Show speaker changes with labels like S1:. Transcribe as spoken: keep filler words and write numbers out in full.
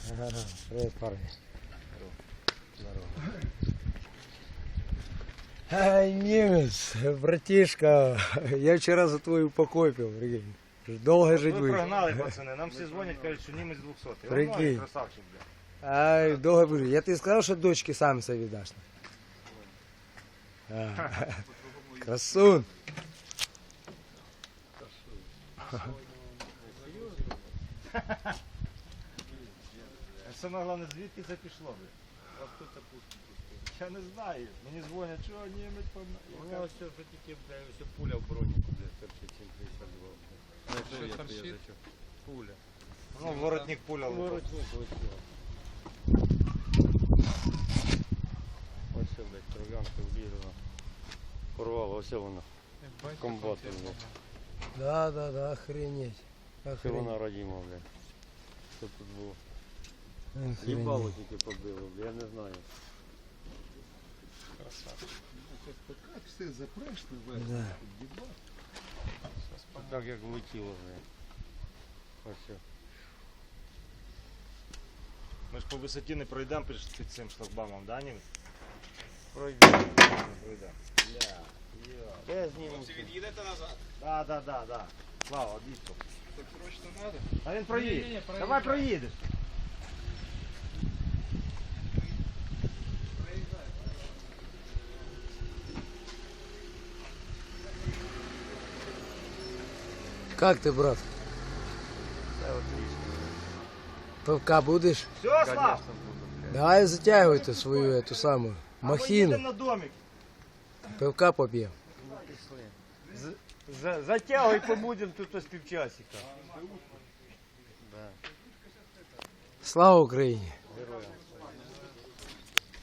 S1: Привет, парни. Здорово. Ай, немец, братишка, я вчера за твою покопил, прикинь. Долго жить
S2: Ви
S1: будешь.
S2: прогнали, пацани, нам всі дзвонять, кажуть, що німець двохсотий.
S1: Прикинь.
S2: Красавчик, бля.
S1: Ай, долго будешь. Я тебе сказал, что дочки сам себе віддаш. А, красун.
S2: Саме головне, звідки це пішло, бля? Я не знаю. Мені дзвонять, що німець помер.
S3: Ну, ось вже тільки, бля, ось пуля в броніку, бля, торчить сім п'ятдесят два.
S4: Що торчить?
S3: Пуля.
S2: Ну, воротник пуля лупав.
S3: Воротник ось його. Ось все, блядь, кров'янка влізла. Порвало, ось воно. Комбат, блядь.
S1: Да, да, да, охренеть.
S3: Це
S1: Охренеть.
S3: вона родима, блядь. Що тут було?
S1: Охренеть.
S3: Їбало тільки побило, бля, я не знаю.
S4: Як все запрешне вверх,
S1: Да.
S4: під'їбав.
S3: Так як влетіло, блядь. Ось все.
S2: Ми ж по висоті не пройдемо під під цим шлагбаумом, да, німець?
S3: Пройдемо.
S2: Не пройдемо. Бля, йо.
S3: Я зніму.
S4: Від'їдете назад.
S2: Да, да, да, да. Слава, обійшов.
S4: Так срочно треба.
S2: А він
S4: Ні-ні-ні,
S2: проїде.
S4: проїжджай.
S2: Давай проїдеш.
S1: Как ты, брат?
S3: Це отлично.
S1: Пивка будешь?
S2: Все, Слав?
S3: Конечно, буду, блядь.
S1: Давай затягивай ты свою эту самую
S2: А ми
S1: махину.
S2: їдемо на домик.
S1: Пивка попьем.
S3: За- Затягуй, побудемо тут ось півчасика. Да.
S1: Слава Україні!